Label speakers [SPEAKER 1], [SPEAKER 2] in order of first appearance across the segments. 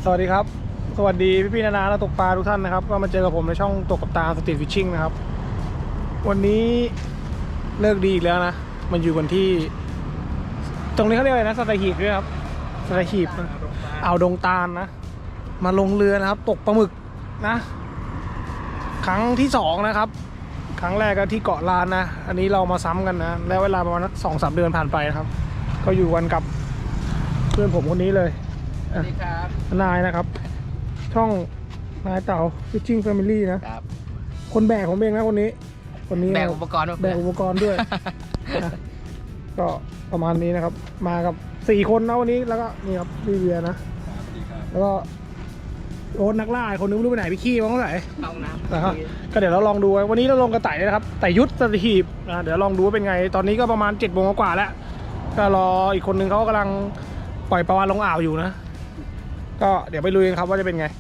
[SPEAKER 1] วัสดีครับสวัสดีพี่ๆนานาและตกปลาทุกท่านนะครับก็มาเจอกับผมในช่องตกกับตาสตรีทฟิชชิ่งนะครับวันนี้เลิกดีอีกแล้วนะมันอยู่กันที่ตรงนี้เขาเรียกอะไรนะสัตหีบด้วยครับสัตหีบอ่าวดงตาลนะมาลงเรือนะครับตกปลาหมึกนะครั้งที่2นะครับครั้งแรกก็ที่เกาะล้านนะอันนี้เรามาซ้ำกันนะแล้วเวลาประมาณ2-3 เดือนผ่านไปนะครับก็อยู่กันกับเพื่อนผมคนนี้เลย
[SPEAKER 2] สวัสดีครับ
[SPEAKER 1] นายนะครับช่องนายเต่า Fishing Family นะครับคนแบกผมเองนะคนนี้
[SPEAKER 2] แบกอุปกรณ์
[SPEAKER 1] แบกอุปกรณ์ด้วย นะก็ประมาณนี้นะครับมากับ4 คนนะวันนี้แล้วก็นี่ครับพี่เบียร์นะแล้วก็โอ๊ตนักล่าคนนึงไม่รู้ไปไหนพี่ขี้มั้งเท่าไหร่
[SPEAKER 2] เอาน้ำ
[SPEAKER 1] นะครับก็เดี๋ยวเราลองดูวันนี้เราลงกระต่ายนะครับไต่ยุทธสถีบนะเดี๋ยวลองดูว่าเป็นไงตอนนี้ก็ประมาณ7 โมงกว่าแล้วก็รออีกคนนึงเขากำลังปล่อยปลาวาฬลงอ่าวอยู่นะก็เดี๋ยวไปลุยกันครับว่าจะเป็นไง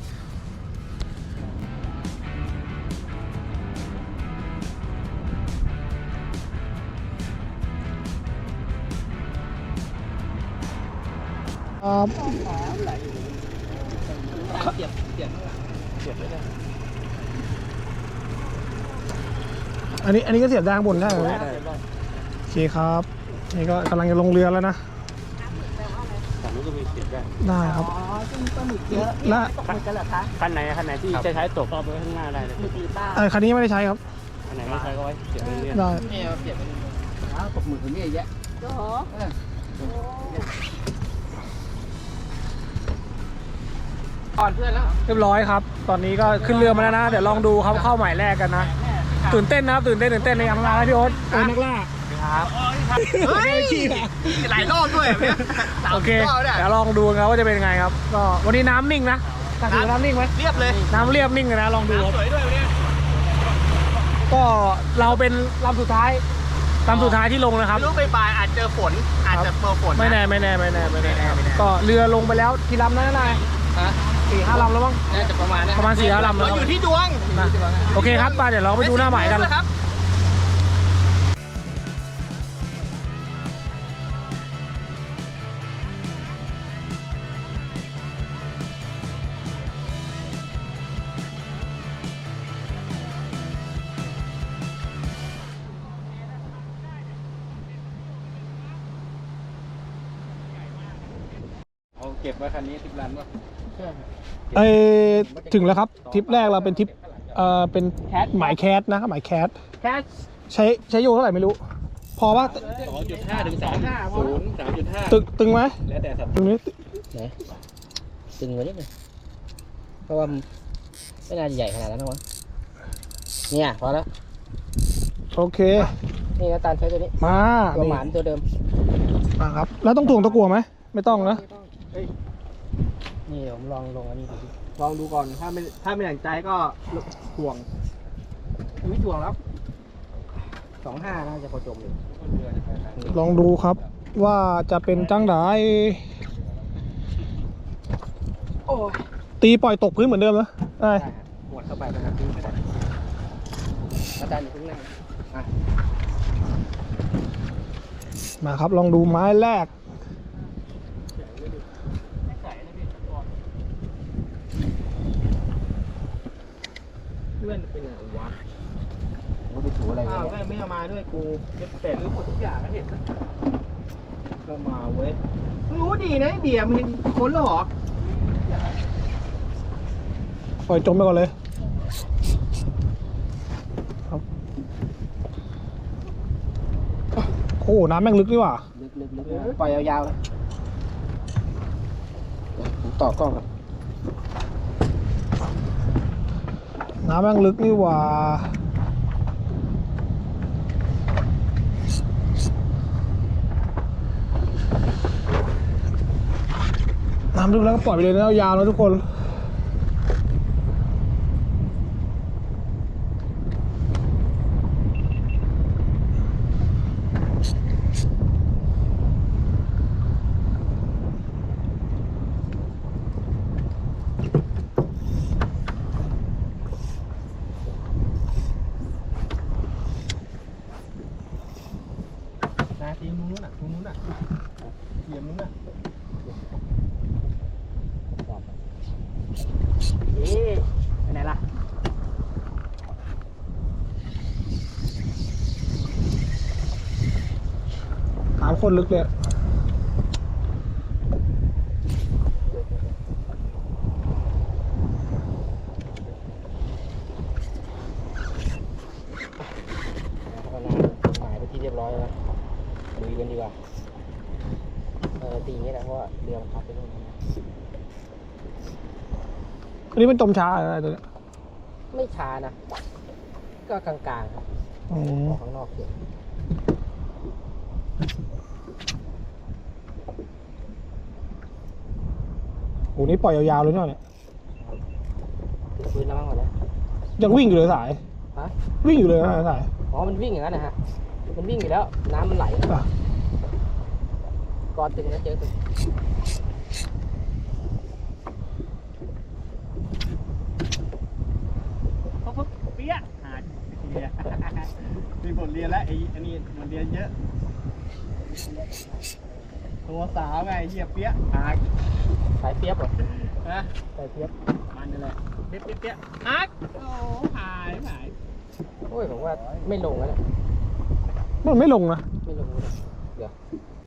[SPEAKER 1] ครับ
[SPEAKER 2] เสียบข้างหลังเสียบเลยนะ
[SPEAKER 1] อันนี้ก็เสียบด้านบนได้เลยโอเคครับนี่ก็กำลังจะลงเรือแล้วนะ
[SPEAKER 2] ฝั่งนู้นก็มีเสียบได้
[SPEAKER 1] ได้ครับ
[SPEAKER 3] อ๋อซึ่งปลาหมึกเยอะ
[SPEAKER 1] และ
[SPEAKER 3] ตกหมึกกันเหรอคะ
[SPEAKER 2] คันไหนที่จะใช้ตกก็ไปข้างหน้าได้เลย
[SPEAKER 3] หมึกหรือเปล่า
[SPEAKER 1] คันนี้ไม่ได้ใช้ครับ
[SPEAKER 2] คันไหนไม่ใช้ก็ไว้เสียบไปเรื่อย
[SPEAKER 1] ได้
[SPEAKER 2] นี่เราเสียบไปตกหมึกตรงนี้เยอะ
[SPEAKER 3] โอ้โห
[SPEAKER 2] ก่อนเพื่อนแล้ว
[SPEAKER 1] เรียบร้อยครับตอนนี้ก็ขึ้นเรือมาแล้วนะเดี๋ยวลองดูครับเข้าหมายแรกกันนะตื่นเต้นนะครับตื่นเต้นในอังลาพี่โอ๊ตนักล่า
[SPEAKER 2] ครับ
[SPEAKER 1] เฮ้ย
[SPEAKER 2] หลายรอบด้วยเนี่ย
[SPEAKER 1] โอเคเดี๋ยวลองดูครับว่าจะเป็นไงครับก็วันนี้น้ำนิ่งนะน้ำนิ่งไหม
[SPEAKER 2] เรียบเลย
[SPEAKER 1] น้ำเรียบนิ่งเลยนะลองดูครับ
[SPEAKER 2] สวยด้วยวันนี้
[SPEAKER 1] ก็เราเป็นลำสุดท้ายที่ลงนะครับ
[SPEAKER 2] ไม่รู้บ่ายอาจเจอฝนอาจจะเจอฝน
[SPEAKER 1] ไม่แน่ก็เรือลงไปแล้วกี่ลำนะนาย4-5 ลำแล้วมั้ง
[SPEAKER 2] น่าจะประมาณนี้
[SPEAKER 1] 4-5 ลำแล้ว
[SPEAKER 2] อยู่ที่ดวง
[SPEAKER 1] โอเคครับมาเดี๋ยวเราไปดูหน้าหมายกัน
[SPEAKER 2] เก็บไว้คันนี้10 ลันวะ
[SPEAKER 1] ถึงแล้วครับทริปแรกเราเป็นทริปเป็นหมายแคสนะครับหมายแคสใช้โยเท่าไหร่ไม่รู้พอป่ะ
[SPEAKER 2] 2.5 ถึง 3.5
[SPEAKER 1] ตึงไหม
[SPEAKER 2] แล้วแต่สัตว์
[SPEAKER 1] ตึงนี้
[SPEAKER 2] ตึงไว้นิดนึงเพราะว่าไม่น่าจะใหญ่ขนาดนั้นนะวะเนี่ยพอแล้ว
[SPEAKER 1] โอเค
[SPEAKER 2] นี่นะตาลใช้ตัวนี้
[SPEAKER 1] มา
[SPEAKER 2] ตัวหมานตัวเดิม
[SPEAKER 1] มาครับแล้วต้องถ่วงตะกั่วไหมไม่ต้องนะ
[SPEAKER 2] นี่ผมลองลงอันนี้ลองดูก่อนถ้าไม่อย่างใจก็ถ่วงไม่ถ่วงแล้ว2.5น่าจะพอจมเลย
[SPEAKER 1] ลองดูครับว่าจะเป็นจังไดตีปล่อยตกพื้นเหมือนเดิมนะได้
[SPEAKER 2] หมดเข้าไปเป็นตีไม่ได้อาจารย์อยู่ข้างหน้า
[SPEAKER 1] มาครับลองดูไม้แรก
[SPEAKER 2] เพื่อนเป็นไงวะเขาไปถูอะไรไม่เอามาด้วยกูแต่รู้หมดทุกอย่างแล้วเห็นก็มาเว้ยรู้ดีนะเบียร์มันคนหรอ
[SPEAKER 1] ปล่อยจมไปก่อนเลยครับโอ้น้ำแม่งลึกดีว่ะ
[SPEAKER 2] ลึกปล่อยยาวๆเลยผมต่อกล้องครับ
[SPEAKER 1] น้ำแม่งลึกนี่หว่าน้ำลึกแล้วก็ปล่อยไปเลยนะยาวๆแล้วทุกคน
[SPEAKER 2] ทีมนู้นน่ะเทียมนู้นน่ะไปไหนล่ะ
[SPEAKER 1] ถามคนลึกเลย
[SPEAKER 2] หมายไปที่เรียบร้อยแล้วลุยกันดีกว่าตีอย่างนี้แหละเพราะว่าเรือมันพับไปนู่น
[SPEAKER 1] อันนี้มันจมช้าอะไรตัวเนี้ย
[SPEAKER 2] ไม่ช้านะ ก็กลางๆครับ
[SPEAKER 1] อ๋อ
[SPEAKER 2] ออกข้างนอกเฉย
[SPEAKER 1] โหนี่ปล่อยยาวๆเลยเนาะเนี่ย
[SPEAKER 2] พื้นแล้วมั้งหมดแล้ว
[SPEAKER 1] ยังวิ่งอยู่เลยสาย
[SPEAKER 2] ฮะ
[SPEAKER 1] วิ่งอยู่เลยนะสาย
[SPEAKER 2] อ๋อมันวิ่งอย่างนั้นนะฮะมันวิ่งอยู่แล้วน้ำมันไหล
[SPEAKER 1] อ่ะ
[SPEAKER 2] ก่อนตึงแล้วเจอตึง
[SPEAKER 4] เขาปุ๊บเปี้ยหาเรียนมีบทเรียนแล้วไอ้อันนี้บทเรียนเยอะ ตัวสาวไงเหี้ยเปี้ยหา
[SPEAKER 2] สายเปียบเหรอ
[SPEAKER 4] ฮะ
[SPEAKER 2] สายเปียบ
[SPEAKER 4] มันนั่นแหละเปี้ยเปี้ยเปี้ยฮักโอ้หายหาย
[SPEAKER 2] โอ้ยผมว่าไม่ลงแล้วเนี่ย
[SPEAKER 1] มันไม่ลงนะ
[SPEAKER 2] ไม่ลงเลยเดี๋ยว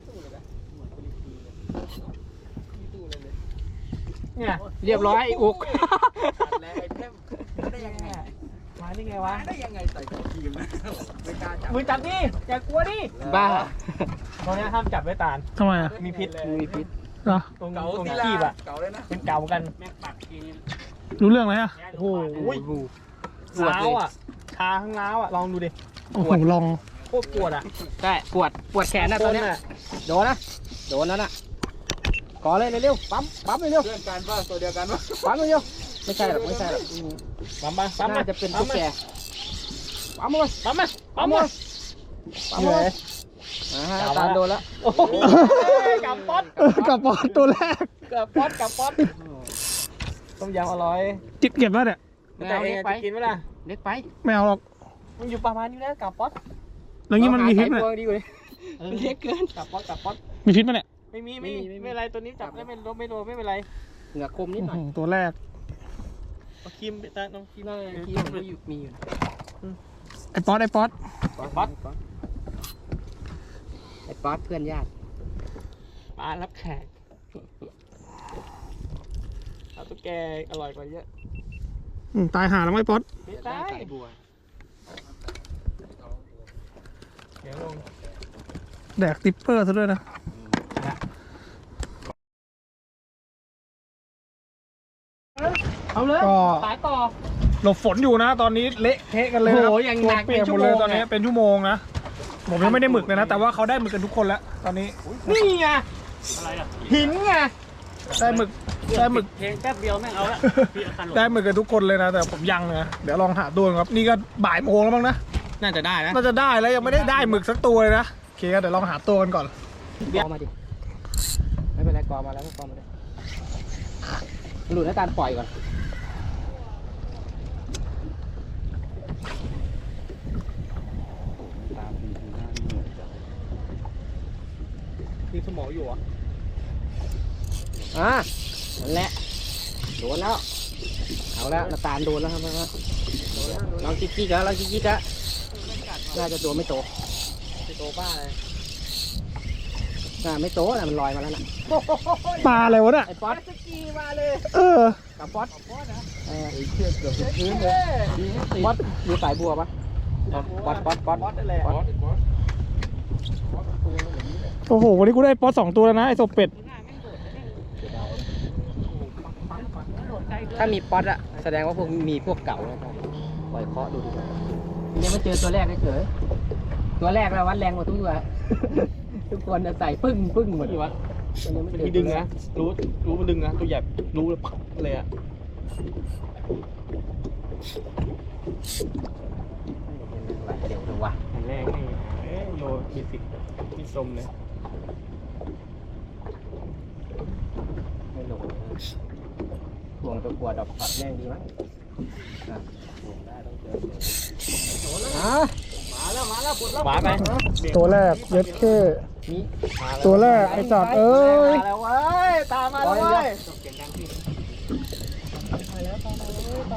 [SPEAKER 4] เนี่ย
[SPEAKER 2] เรียบร้อยอุก
[SPEAKER 4] แล้วไอ้เพิ่มได้ยังไง
[SPEAKER 2] มาได้ไงวะ
[SPEAKER 4] ได้ยังไงใส่ตัวทีมนะไม่กล้าจับ
[SPEAKER 2] มือจับดิอย่ากลัวดิบ้าตรงนี้ห้ามจับไว้ตาล
[SPEAKER 1] ทำไมอ่ะ
[SPEAKER 2] มีพิษมีพิษ
[SPEAKER 1] เหรอ
[SPEAKER 2] ตรง
[SPEAKER 4] เก่า
[SPEAKER 2] ตรง
[SPEAKER 4] ที่
[SPEAKER 2] ขี้
[SPEAKER 4] ละ
[SPEAKER 2] บอ่ะ
[SPEAKER 4] เก่าเลยนะ
[SPEAKER 2] เป็นเก่ากัน
[SPEAKER 4] แม่งปัดที
[SPEAKER 1] รู้เรื่องไหมอ่ะ
[SPEAKER 2] โอ้โหร้าวอ่ะชาข้างร้าวอ่ะลองดูดิ
[SPEAKER 1] โอ้โหลอง
[SPEAKER 2] โคตรปวดอ่ะใช่ปวดแขนนะตอนเนี้ยโดนนะโดนแล้วน่ะก่อเลยเร็วๆปั๊มเร็ว
[SPEAKER 4] เพื่อนกันป่ะตัวเดียวกันป่ะ
[SPEAKER 2] ๆปั๊มเร็วๆไม่ใช่หรอกปั๊มน่าจะเป็นตุ๊กแกปั๊มเลยปั๊มเลยปั๊มเลยตาโดนแล้วโอ้โหกับป๊อต
[SPEAKER 1] กับบอลตัวแรก
[SPEAKER 2] กับป๊อตต้มยำอร่อย
[SPEAKER 1] จิบเก็บแล้วเนี่ย
[SPEAKER 2] แต่เองจะกินไหมล่ะเล็กไป
[SPEAKER 1] ไม่เอาหรอก
[SPEAKER 2] มันอยู่ประมาณนี้นะกับป๊อต
[SPEAKER 1] แล้วงี้มันมีพิษไหม
[SPEAKER 2] ดีกว่าเล็กเกินกับป๊อต
[SPEAKER 1] มีพิษไหมเนี่ย
[SPEAKER 2] ไม่เป็นไรตัวนี้จับได้ไม่โดนไม่เป็นไรเหงือกคมนิดหน่อย
[SPEAKER 1] ตัวแรก
[SPEAKER 4] ครีมไปตาน้องครีม
[SPEAKER 2] นั่นที่มันอยู่มีอยู่
[SPEAKER 1] ไอ้ป๊อต
[SPEAKER 2] ไอ้ป๊อตเพื่อนญาติปลารับแขกเอาตุ๊กแกอร่อยกว่าเยอะ
[SPEAKER 1] ตายหาแล้วไหมป๊อต
[SPEAKER 2] ไม่ได้บัวเดี๋ยวลง
[SPEAKER 1] แดกติปเปอร์ซะด้วยนะ
[SPEAKER 2] เอาเลย
[SPEAKER 1] ก็
[SPEAKER 2] สายต่อ
[SPEAKER 1] หลบฝนอยู่นะ ตอนนี้เละเทะกันเลยนะ
[SPEAKER 2] โอ้โหอย่างหนัก
[SPEAKER 1] ตัวเปียกหมดเลย
[SPEAKER 2] เป็นชั่วโมง
[SPEAKER 1] ตอนนี้เป็นชั่วโมงนะผมยังไม่ได้หมึกเลยนะแต่ว่าเขาได้หมึกกันทุกคนแล้วตอนนี้
[SPEAKER 2] นี่ไง
[SPEAKER 4] อะไรอ่ะ
[SPEAKER 2] หินไง
[SPEAKER 1] ได้หมึก
[SPEAKER 4] เพลงแป๊บเดียวแม่งเอาละพี่อาคารหล
[SPEAKER 1] ได้หมึกกันทุกคนเลยนะแต่ผมยังนะเดี๋ยวลองหาตัวครับนี่ก็บ่ายโมงแล้วมั้งนะ
[SPEAKER 2] น่าจะได้นะ
[SPEAKER 1] น่าจะได้แล้วยังไม่ได้หมึกสักตัวเลยนะโอเคเดี๋ยวลองหาตัวกันก่อน
[SPEAKER 2] กอมาดิไม่เป็นไรกอมาแล้วก็กอมาเลยหลุดแล้วการปล่อยก่อน
[SPEAKER 4] มีสมองอยู่อ่ะ
[SPEAKER 2] นั่นแหละโดนแล้วเอาแล้วน้ำตาลโดนแล้วครับลองจิ๊กๆแล้วน่าจะโดนไม่โตไม่โตบ้าเลยไม่โตนะมันลอยมาแล้วนะ
[SPEAKER 1] ปลาอะไรวะเนี่ย
[SPEAKER 2] ไอ้ป๊อตสกีมาเลย กับป๊อตไอ้เชือกเกือบพื้นเลยป๊อตอยู่สายบัวปะป๊อต
[SPEAKER 4] นั่นแหละ
[SPEAKER 1] โอ้โหวันนี้กูได้ป๊อต2ตัวแล้วนะไอ้ศพเป็ด
[SPEAKER 2] ถ้ามีป๊อตอะแสดงว่ามีพวกเก่านะครับปล่อยเคาะดูดีกว่าเนี่ยมาเจอตัวแรกเฉยตัวแรกแล้ววัดแรงกว่าทุกตัว ทุกคนใส่ปึ้งหมด
[SPEAKER 4] นี่วะ
[SPEAKER 2] มัน
[SPEAKER 4] มันมีดึงนะรู้มันดึงนะตัวใหญ่รู้เลยพักเลยอ่ะ
[SPEAKER 2] เดี๋ยวดูว่ะ
[SPEAKER 4] แรกนี่โลมีสิบมีสมเลย
[SPEAKER 2] ไม่ลงห่วงตัวกลัวดอกปัดแรงดีมั้งมาแล้วปวดแล้ว
[SPEAKER 4] หวานไหม
[SPEAKER 1] ตัวแรกเย็ดเข้
[SPEAKER 2] นี่
[SPEAKER 1] ตัวแรกไอ้สัตว์เอ้ย
[SPEAKER 2] มาแล้วเว้ยตามมาแล้วเว้ย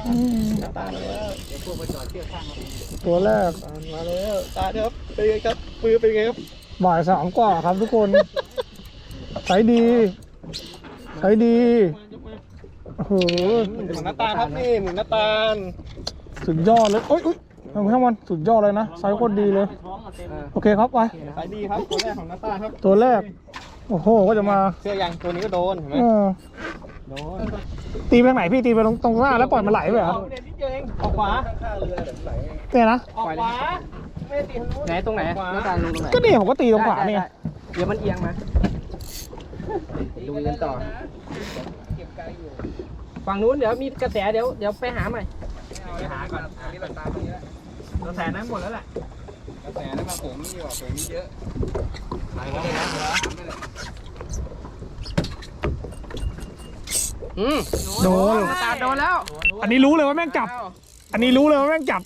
[SPEAKER 2] ตาแล้ว
[SPEAKER 4] เดี๋ยวพวกมาจอดเทียบข้างเรา
[SPEAKER 1] ตัวแรก
[SPEAKER 2] มาแล้วตาครับเป็นไงครับมือเป็นไงครับ
[SPEAKER 1] บ่าย2 กว่าครับทุกคนใช้ดีใช้ดีโอ้โห
[SPEAKER 2] หมุนหน้าตาครับนี่หมุนหน้าตา
[SPEAKER 1] สุดยอดเลยโอ๊ยทำให้มันสุดยอดเลยนะไซส์โคตรดีเลย
[SPEAKER 4] ท้องมาเต็ม
[SPEAKER 1] โอเคครับไป
[SPEAKER 2] สายดีครับตัวแรกของหน้าตาครับ
[SPEAKER 1] ตัวแรกโอ้โหก็จะมา
[SPEAKER 2] เสื้อยังตัวนี้ก็โดนเห็นไหม
[SPEAKER 1] เออ
[SPEAKER 2] โดน
[SPEAKER 1] ตีไปทางไหนพี่ตีไปตรงหน้าแล้วปล่อยมันไหลไปเหรอ
[SPEAKER 2] เด็ดนิดเดียวเองออกขวา
[SPEAKER 1] เนี่ยนะ
[SPEAKER 2] ออกขวาไม่ได้ตีทางนู้น
[SPEAKER 4] ไหนตรงไหนหน้าตาลงตรงไหน
[SPEAKER 1] ก็นี่ผมก็ตีตรงขวาเนี่ย
[SPEAKER 4] เดี๋ยวมันเอียงมาดูกันต่อฝั่งนู้นเดี๋ยวมีกระแสเดี๋ยวไปหาใหม่
[SPEAKER 2] ไปหาก่อนอันนี้เราตามตรงนี้แล้วกระแสนั้นหมดแล้วแหละกระแสนั้นมาผมนี่ดีกว่าผมนี่เยอะหายไปเลยนะเหรอ
[SPEAKER 1] โดน
[SPEAKER 4] ตาโดนแล้ว
[SPEAKER 1] อันนี้รู้เลยว่าแม่งจับ อันนี้รู้เลยว่าแม่งจับ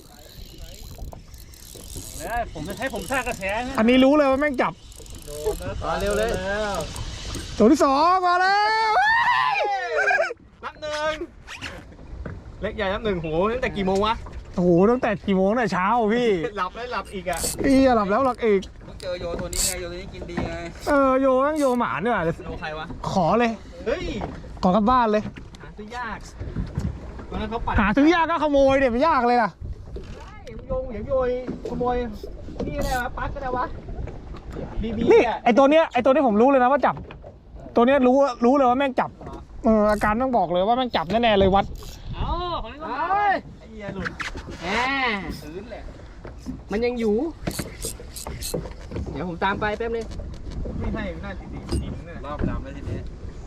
[SPEAKER 4] ผมจะให้ผมสร้างกระแส
[SPEAKER 1] อันนี้รู้เลยว่าแม่งจับ
[SPEAKER 2] มาเร็วเลย
[SPEAKER 1] ตัวที่ 2มาแล้ว
[SPEAKER 2] นับหนึ่งเล็กใหญ่นับหนึ่งโหตั้งแต่กี่โมงวะ
[SPEAKER 1] โอ้โหตั้งแต่กี่โมงแต่เช้าพี่
[SPEAKER 2] หลับแล้วหลับอีกอ่ะ
[SPEAKER 1] พี่หลับแล้วหลับอีก
[SPEAKER 2] ต้องเจอโยตัวนี้ไงโยตัวนี้กินดีไง
[SPEAKER 1] โยแม่งโยหมาเนี่ย
[SPEAKER 2] โยใครวะ
[SPEAKER 1] ขอเลย
[SPEAKER 2] เฮ้ย
[SPEAKER 1] ขอกลับบ้านเลย
[SPEAKER 2] หาซื้อยากตอนนั้นเขาปัด
[SPEAKER 1] หาซื้อยากก็ขโมยเดี๋ยวไม่ยากเลยล่ะ
[SPEAKER 2] โยงอย่างโยยขโมยนี่อะไรวะปัดก็ได้วะบีบี
[SPEAKER 1] นี่
[SPEAKER 2] อ่ะ
[SPEAKER 1] ไอตัวเนี้ยผมรู้เลยนะว่าจับ ตัวเนี้ยรู้เลยว่าแม่งจับอาการต้องบอกเลยว่าแม่งจับแน่ๆเลยวัด
[SPEAKER 4] เอาของนี้ก็มา
[SPEAKER 2] ไอ้เหี้ยหลุด
[SPEAKER 4] แหม
[SPEAKER 2] พื้นแหละ
[SPEAKER 4] มันยังอยู่ เดี๋ยวผมตามไปแป๊บนึง
[SPEAKER 2] ไม่ให้หน้าดีๆดินเนี่ยรอบดำแล้วทีนี้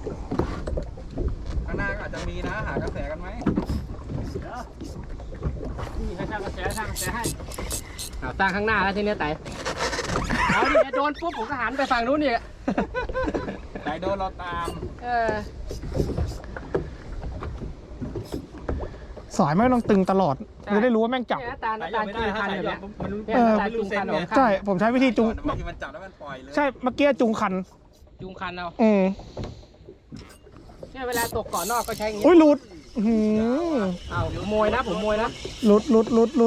[SPEAKER 2] ข้างหน้าก็อาจจะมีนะหากระแสกันไหม
[SPEAKER 4] นี่ให้สร้างกระแสให้เอาตั้งข้างหน้าแล้วทีเนี้ยไต่เอาดิโดนปุ๊บผมก็หันไปฝั่งนู้นอีก
[SPEAKER 2] ไหนโดนเราตาม
[SPEAKER 4] เออ
[SPEAKER 1] สายไม่ต้องตึงตลอดจะได้รู้ว่าแม่งจับ
[SPEAKER 4] เนี่ยหน้าตาจูงคันแบบเนี้ย
[SPEAKER 2] มันรู้
[SPEAKER 4] เนี่ยหน้าตาจูงคันออกข้าง
[SPEAKER 1] ใช่ผมใช้วิธีจุง
[SPEAKER 2] บางทีมันจับแล้วมันปล่อยเลย
[SPEAKER 1] ใช่เมื่อกี้จุงคัน
[SPEAKER 4] จูงคันเอา เนี่ยเวลาตกเกาะนอกก็ใช้อย่างงี้
[SPEAKER 1] อุ้ยหลุดอื้อหือ
[SPEAKER 4] เอาผมโมยนะผมโมยนะ
[SPEAKER 1] หลุด
[SPEAKER 4] ยิง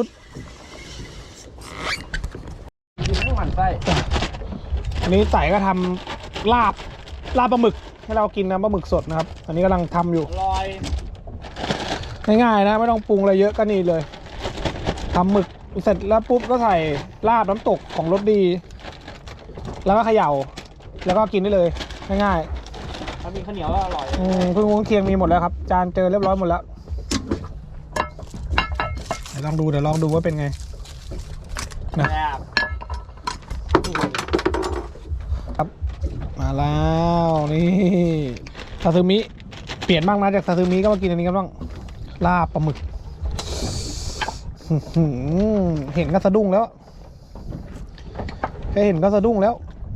[SPEAKER 4] ไม่หวั่นไส้
[SPEAKER 1] อันนี้ไต่ก็ทำลาบปลาหมึกให้เรากินนะปลาหมึกสดนะครับ อันนี้กำลังทำอยู่
[SPEAKER 2] ลอย
[SPEAKER 1] ง่ายๆนะไม่ต้องปรุงอะไรเยอะก็นี่เลยทำหมึกเสร็จแล้วปุ๊บก็ใส่ลาบน้ำตกของรสดี แล้วก็เขย่าแล้วก็กินได้เลยง่าย
[SPEAKER 4] ถ้ามีข้าวเหนียวก็อร่อย
[SPEAKER 1] ๆเพิ่งวงเคียงมีหมดแล้วครับ จานเจอเรียบร้อยหมดแล้วเดี๋ยวลองดูว่าเป็นไงนะ
[SPEAKER 4] แบบ
[SPEAKER 1] ครับมาแล้วนี่ซาซิมิเปลี่ยนบ้างนะจากซาซิมิก็มากินอันนี้กันบ้างลาบปลาหมึกอื้อหือเห็นก็สะดุ้งแล้วแค่เห็นก็สะดุ้งแล้ว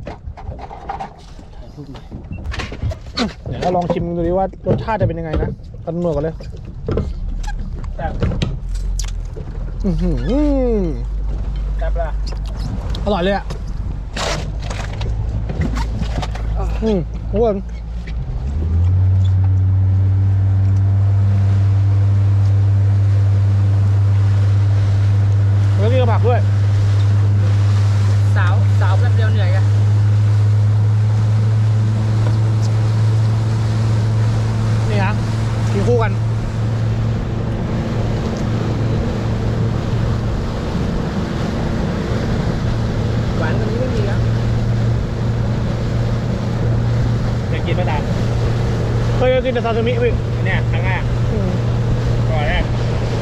[SPEAKER 1] เดี๋ยวเราลองชิมดูดิว่ารสชาติจะเป็นยังไงนะตันหนวดกันเลย
[SPEAKER 2] แต่
[SPEAKER 1] อื้อหือ
[SPEAKER 2] แต่ปลา
[SPEAKER 1] อร่อยเลยอ่ะทุกคนแล้วนี่ก็ผักด้วย
[SPEAKER 4] สาวแป๊บเดียวเหนื่อยกัน
[SPEAKER 1] นี่ฮะกินคู่กัน
[SPEAKER 4] หวานกว่านี้ไม่มีครับ
[SPEAKER 2] อยากกินไหมตา
[SPEAKER 1] เคยกินแต่ซาซิมิพี่
[SPEAKER 2] เนี่ยครั้งแรกก่อนแรก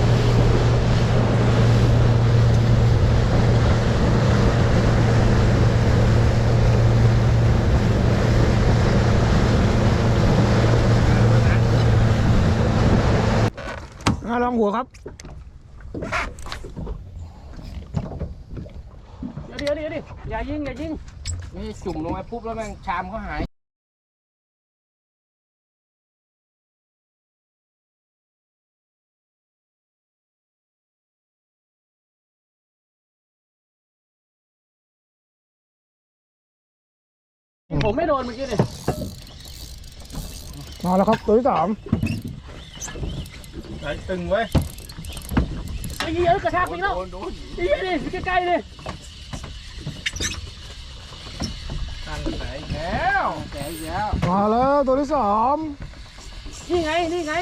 [SPEAKER 1] ลองหัวครับ
[SPEAKER 4] เดี๋ยวอย่ายิงนี่จุ่มลงไปปุ๊บแล้วแม่งชามเขาหายผมไม่โดนเมื่อกี้เลย
[SPEAKER 1] มาแล้วครับตัวที่ 3
[SPEAKER 2] ส่ตึงไว้
[SPEAKER 4] ไอ้เหี้ยกระชากไปแล้วไอ้เหี้ยดิใกล้ๆเลย
[SPEAKER 2] ตั้งไหนแล้วแกแล้ว
[SPEAKER 1] มาแล้วตัวที่สาม
[SPEAKER 4] นี่ไง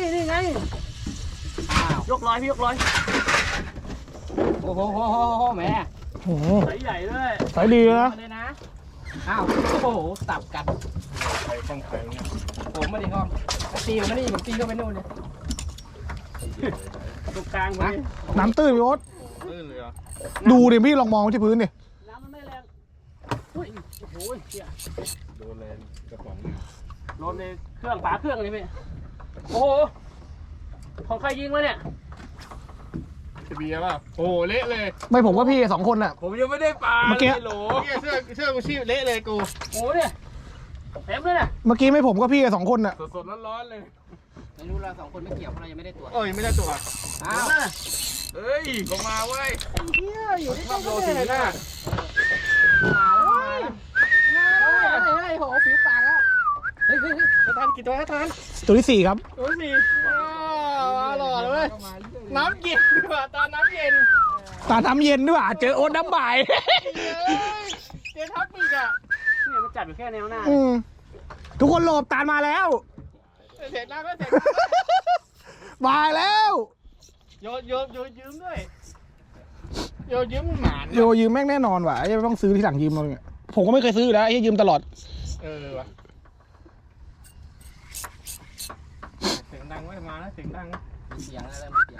[SPEAKER 4] ยกร้อยพี่ยกร้อยโอ้โหแม่
[SPEAKER 1] โอ้โห
[SPEAKER 4] ใสใหญ่ด้วย
[SPEAKER 1] สายดีนะ
[SPEAKER 4] เลยนะอ้าวโอ้โหตับกัน
[SPEAKER 2] ใครต้องใครเนี่ย
[SPEAKER 4] ผมไม่ได้ห้องตีผมไม่ได้ผมตีเข้าไปนู่นเลยตรงกลางนะ
[SPEAKER 1] น้ำตื้นพี่โอ๊ต
[SPEAKER 2] ลื่นเลยอ่ะ
[SPEAKER 1] ดูดิพี่ลองมองที่พื้นดิ
[SPEAKER 4] น้ำมันไม่แรงอุ้ยโอ้โหเหี้ย
[SPEAKER 2] โดนเลยกระป๋อง
[SPEAKER 4] โดนในเครื่องฝาเครื่องเลยพี่โอ้โหของใครยิงมาเนี่ย
[SPEAKER 2] จะเบียร์ป่ะโอ้เละเลย
[SPEAKER 1] ไม่ผมว่าพี่สองคนอ่ะ
[SPEAKER 2] ผมยังไม่ได้ปลา
[SPEAKER 1] เมื่อกี้
[SPEAKER 2] โหลเสื้อกูชีพเละเลยกู
[SPEAKER 4] โอ้โหเนี่ยเต็มเลยเนี่ย
[SPEAKER 1] เมื่อกี้ไม่ผมก็พี่สองคนอ่ะ
[SPEAKER 2] สดๆร้อนๆเลย
[SPEAKER 4] ไม่รู้เราสองคนไม่เกี่ยวเพราะเรายังไม่ได้ตรวจ
[SPEAKER 2] เอ้ยไม่ได้ตัว
[SPEAKER 4] อ้าว
[SPEAKER 2] เอ้ยก็มาเว้ย
[SPEAKER 4] เฮียอยู่ที่
[SPEAKER 2] ชอบโดนสีหน้า
[SPEAKER 4] มาแล้วเฮ้ยโหผิวปากแล้วเฮ้ยทานกี่ตัวทาน
[SPEAKER 1] ตัวที่สี่ครับ
[SPEAKER 4] ตัวสี่อร่อยเลยน้ำเย็นดีกว่าตอนน้ำเย็น
[SPEAKER 1] ตาน้ำเย็นด้วยเจอโอ๊ตน้ำบ่าย
[SPEAKER 4] เจทับอีกอ่ะเนี่ยมันจัดอยู่แค่แนวหน้า
[SPEAKER 1] ทุกคนหลบตาลมาแล้ว
[SPEAKER 4] เสร็จแล้วก็เสร็จ
[SPEAKER 1] มาแล้ว
[SPEAKER 4] โยยืมด้วยโยยืมหมาน
[SPEAKER 1] โยยืมแม่งแน่นอนว่ะยังต้องซื้อที่หลังยืมเราเนี่ยผมก็ไม่เคยซื้ออยู่แล้วไอ้ยืมตลอด
[SPEAKER 2] วะเสียงดังไว้มาแล้วเสียงดัง
[SPEAKER 4] มีเสียงอะไรมีเสียง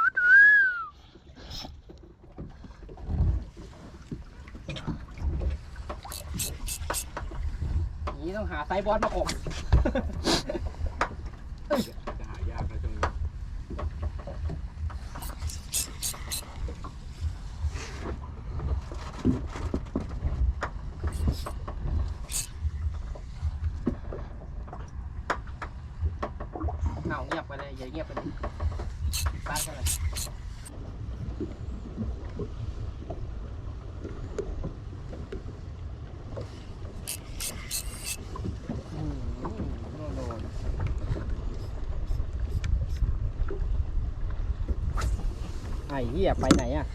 [SPEAKER 4] นี่ต้องหาไซบอสมาข่ม
[SPEAKER 2] จะหายากเลยตรงนี้
[SPEAKER 4] เอาเงียบไปเลยอย่าเงียบไปเลยตั้งกันเลยไอ้เหี้ยไปไหนอ่ะ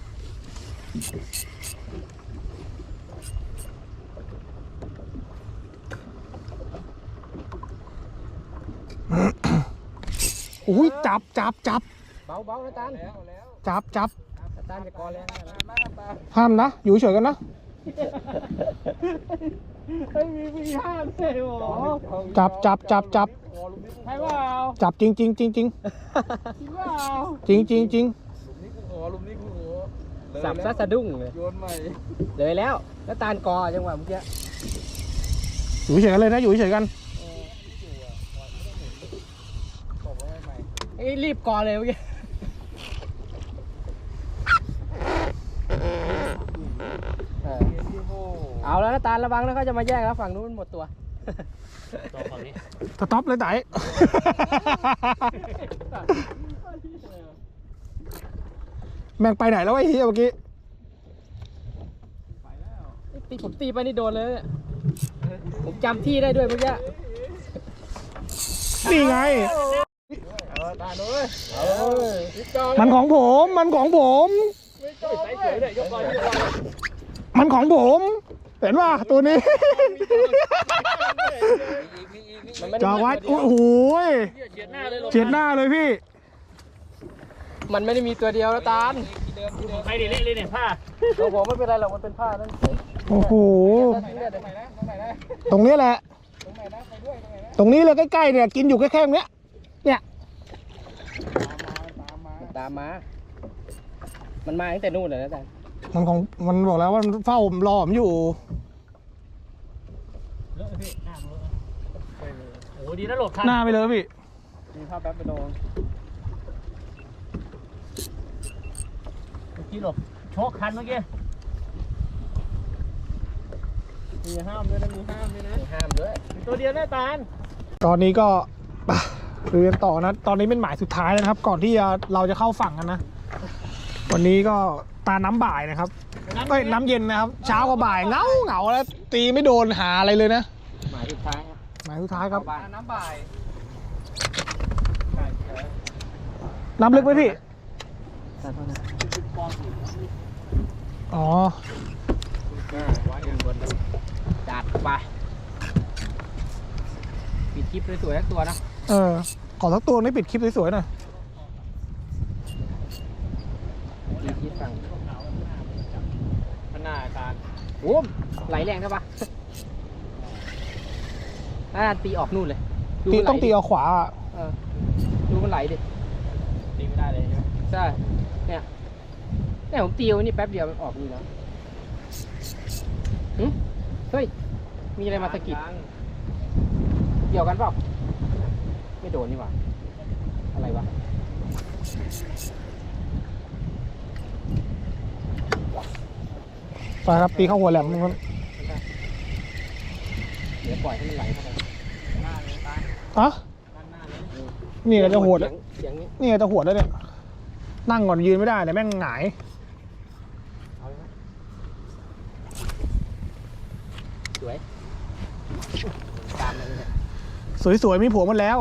[SPEAKER 1] อุ้ยจับ
[SPEAKER 4] เบานะตัน
[SPEAKER 1] จับ
[SPEAKER 4] ตันจะกอเลย
[SPEAKER 1] ห้ามนะอยู่เฉยกันนะ
[SPEAKER 4] ไม่มีห้ามเลยโอ้
[SPEAKER 1] จับ
[SPEAKER 4] ใช่เปล่า
[SPEAKER 1] จับจริงจริง
[SPEAKER 4] จริงเปล่า
[SPEAKER 1] จริงจริงจริง
[SPEAKER 2] ลุมนี้กูโห
[SPEAKER 4] สับซะสะดุ้งเลย
[SPEAKER 2] โยนใหม่
[SPEAKER 4] เลยแล้วตาลกอจังหวะเมื่อกี้
[SPEAKER 1] อยู่เฉยกันเลยนะอยู่เฉยกัน
[SPEAKER 4] ไอ้รีบกอเลยเมื่อกี้เอาแล้วนะตาลระวังนะเขาจะมาแย่งแล้วฝั่งนู้นหมดตัวฝั่งนี้
[SPEAKER 1] สต็อปเลยไต่แม่งไปไหนแล้วไอ้เฮียเมื่อกี้
[SPEAKER 4] ผมตีไปนี่โดนเลยผมจำที่ได้ด้วยเมื่อกี้
[SPEAKER 1] นี่ไง
[SPEAKER 2] ตาด้วย
[SPEAKER 1] มันของผมมันของผม
[SPEAKER 4] ใส่เฉยเลยยกลอย
[SPEAKER 1] มันของผมเห็นว่าตัวนี้จอวัดโอ้โห
[SPEAKER 4] เฉียดหน้าเลย
[SPEAKER 1] เฉียดหน้าเลยพี่
[SPEAKER 4] มันไม่ได้มีตัวเดียวนะตาลใครดิเละเลยเนี่ยผ้าตัวผมไม่เป็นไรหรอกมันเป็นผ้านั่น
[SPEAKER 1] โอ้โหตรงนี้แหละตรงนี้เลยใกล้ๆเนี่ยกินอยู่แค่ๆเนี้ยเนี่ย
[SPEAKER 4] ตามมา มันมาตั้งแต่นู่นเลยนะตาล
[SPEAKER 1] มันของมันบอกแล้วว่ามันเฝ้ารอผมอยู่
[SPEAKER 4] เลอะพี่หน้าเลอะโอ้ดีนะหลบทัน
[SPEAKER 1] หน้าไปเลยพี่
[SPEAKER 4] มีภาพแป๊บไปโดนเมื่อกี้หลบโชกคันเมื่อกี้มีห้ามด้วยนะมีห้ามด้วยนะห้ามด้วยตัวเดียวหน้าตาล
[SPEAKER 1] ตอนนี้ก็เรียนต่อนะตอนนี้เป็นหมายสุดท้ายแล้วนะครับ ก่อนที่เราจะเข้าฝั่งกันนะวันนี้ก็ตาน้ำบ่ายนะครับเอ้ยน้ำเย็นนะครับ เช้ากับบ่ายเหงาแล้วตีไม่โดนหาอะไรเลยนะ
[SPEAKER 4] หมายสุดท้ายครับ
[SPEAKER 1] หมายสุดท้ายครับ
[SPEAKER 4] น้ำบ่าย
[SPEAKER 1] น้ำลึกไหมพี่ อ๋อ
[SPEAKER 4] จัดไปปิดคลิปสวยๆทั้งตัวนะ
[SPEAKER 1] ขอสักตัวนี้ปิดคลิปสวยๆหน่อย
[SPEAKER 4] ปิดคลิปฝั่ง
[SPEAKER 2] ขนาดการ
[SPEAKER 4] โอ้มไหลแรงใช่ปะน่าตีออกนู่นเลยดูมันไหล
[SPEAKER 1] ต้องตีเอาขวาอะ
[SPEAKER 4] ดูมันไหลดิ
[SPEAKER 2] ตีไม่ได้เลยใช่ไหม
[SPEAKER 4] ใช่เนี่ยผมตีไว้นี่แป๊บเดียวมันออกนี่แล้วหึเฮ้ยมีอะไรมาสะกิดเกี่ยวกันเปล่าไม่โดนนี่หว่าอะไรวะ
[SPEAKER 1] ไปครับตีเข้าหัวแหลมมัน
[SPEAKER 4] เดี๋ยวปล่อยให้มันไหลเข้าไป
[SPEAKER 1] อะนี่ก็จะหัวด
[SPEAKER 4] เสียงนี้
[SPEAKER 1] นี่ก็จะหัวดแล้วเนี่ย นั่งก่อนยืนไม่ได้แต่แม่งหงาย
[SPEAKER 4] เอาเลยนะสวยตามเลยเนี่ย
[SPEAKER 1] สวยๆมีผัวหมดแล้ว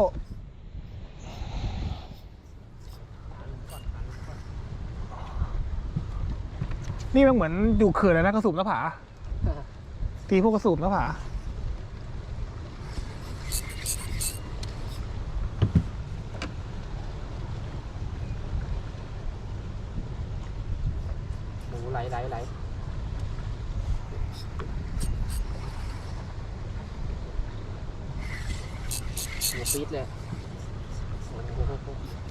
[SPEAKER 1] นี่มันเหมือนอยู่เขื่อนเลยนะกระสูบหน้าผา ตีพวกกระสูบหน้าผา
[SPEAKER 4] โอ้โหไหลหัวปี๊ดเลยโอ้โห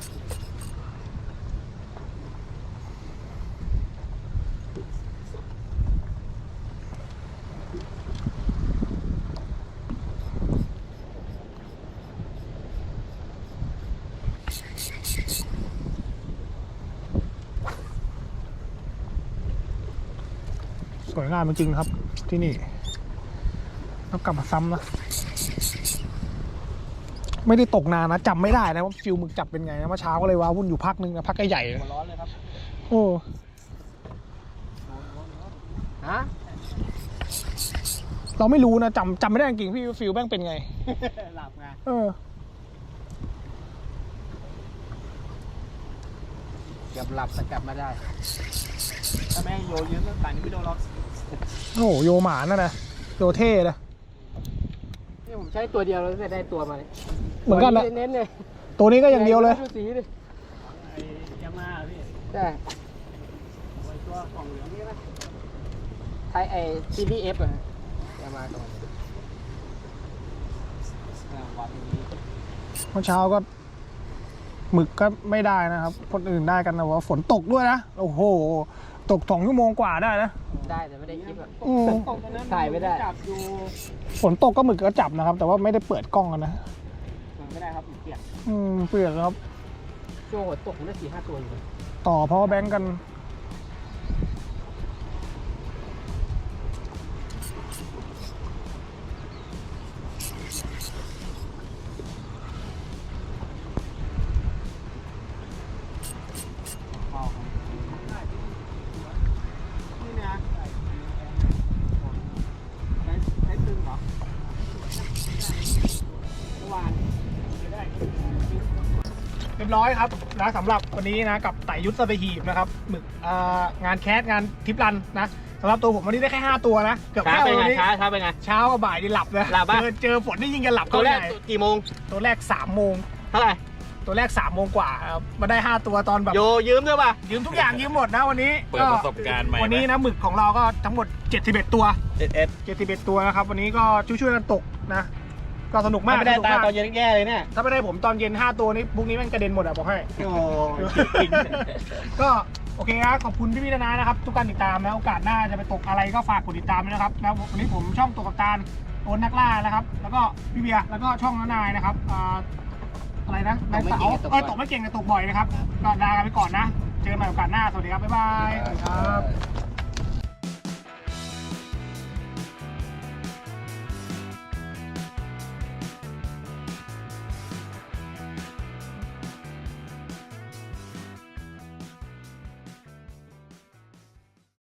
[SPEAKER 1] สวยงามจริงๆครับ ที่นี่ต้องกลับมาซ้ำนะ ไม่ได้ตกนานนะจำไม่ได้นะว่าฟิลหมึกจับเป็นไงนะเมื่อเช้าก็เลยว้าวุ่นอยู่พักนึงนะพักใหญ่ๆเลย
[SPEAKER 2] ร้อนเลยครับ
[SPEAKER 1] โอ้
[SPEAKER 4] ฮะ
[SPEAKER 1] เราไม่รู้นะจำไม่ได้จริงๆพี่ฟิลแม่งเป็นไง
[SPEAKER 2] หลับไง
[SPEAKER 4] เกือบหลับแต่กลับมาได้
[SPEAKER 2] ถ้าแม่โยยืมตั้งแต่นี้ไม่โดนหรอก
[SPEAKER 1] โอ้โหโยหมาน่ะนะโยเท่นะ
[SPEAKER 4] นี่ผมใช้ตัวเดียวแล้วได้ตัวมาเลย
[SPEAKER 1] เหมือนกันนะ
[SPEAKER 4] เน้นเลย
[SPEAKER 1] ตัวนี้ก็อย่างเดียวเลย
[SPEAKER 4] ดูสีดิ
[SPEAKER 2] ไอ้ยามาพี่
[SPEAKER 4] ใช่
[SPEAKER 2] ไอ้ตัวกล่องเหลืองนี่นะ
[SPEAKER 4] ไทยไอ CPF อะจะมาก่อน
[SPEAKER 2] วัดนี้
[SPEAKER 1] เมื่อเช้าก็หมึกก็ไม่ได้นะครับ คนอื่นได้กันนะว่าฝนตกด้วยนะโอ้โหตก2 ชั่วโมงกว่าได้นะ
[SPEAKER 4] ได้แต่ไม่ได้คลิปอะ
[SPEAKER 1] อืม
[SPEAKER 4] ถ่ายไม่ได้
[SPEAKER 2] จับอยู่
[SPEAKER 1] ฝนตกก็หมึกก็จับนะครับ แต่ว่าไม่ได้เปิดกล้องกันนะ
[SPEAKER 2] ไม่ได้ครับเปียก
[SPEAKER 1] เปลือกครับ
[SPEAKER 4] ช่วงฝนตกผมได้4-5 ตัวอยู่
[SPEAKER 1] ต่อเพราะว่าแบงก์กัน
[SPEAKER 2] นี่นะใช้ตึงเหรอเมื่อวาน
[SPEAKER 1] เรียบร้อยครับนะสำหรับวันนี้นะกับไต่ยุทธสเปหีบนะครับหมึกงานแคสงานทริปรันนะสำหรับตัวผมวันนี้ได้แค่5 ตัวนะเกือบ
[SPEAKER 2] ช้า
[SPEAKER 1] แค่
[SPEAKER 2] ไป
[SPEAKER 1] วัน
[SPEAKER 2] ไง
[SPEAKER 1] นี้
[SPEAKER 2] ช้าไปไง
[SPEAKER 1] เช้ากับบ่ายนี่หลับเลย
[SPEAKER 2] หลับปะ
[SPEAKER 1] เจอฝนนี่ยิ่งจะหลับ
[SPEAKER 2] ตัวแรก
[SPEAKER 1] เข้าใหญ่
[SPEAKER 2] กี่โมง
[SPEAKER 1] ตัวแรก3 โมง
[SPEAKER 2] เท่าไหร่
[SPEAKER 1] ตัวแรก3 โมงกว่าครับมาได้5 ตัวตอนแบบ
[SPEAKER 2] โยยืมด้วยป่ะ
[SPEAKER 1] ยืมทุกอย่างยืมหมดนะวันนี้
[SPEAKER 5] เปิดประสบการณ์ใหม่
[SPEAKER 1] วันนี้นะหมึกของเราก็ทั้งหมด71 ตัว
[SPEAKER 2] 11
[SPEAKER 1] 71 ตัวนะครับวันนี้ก็ช่วยๆกันตกนะก็สนุกมาก
[SPEAKER 2] ไม่ได้
[SPEAKER 1] สก
[SPEAKER 2] ตามตอนเย็นแย่เลยเนี่ย
[SPEAKER 1] ถ้าไม่ได้ผมตอนเย็น5 ตัวนี้พรุ่งนี้แม่งกระเด็นหมดอะบอกให้
[SPEAKER 2] โอ้
[SPEAKER 1] ก็โอเคครับขอบคุณพี่ๆนานะครับทุกการติดตามนะโอกาสหน้าจะไปตกอะไรก็ฝากกดติดตามด้วยนะครับแล้ววันนี้ผมช่องตกกับตาลโอนนักล่านะครับ แล้วก็พี่เบียร์แล้วก็ช่องน้านายนะครับอะไรนะนายเต๋าตกไม่เก่งแต่ตกบ่อยนะครับก็ลากันไปก่อนนะเจอกันใหม่โอกาสหน้าสวัสดีครับบ๊ายบายครับ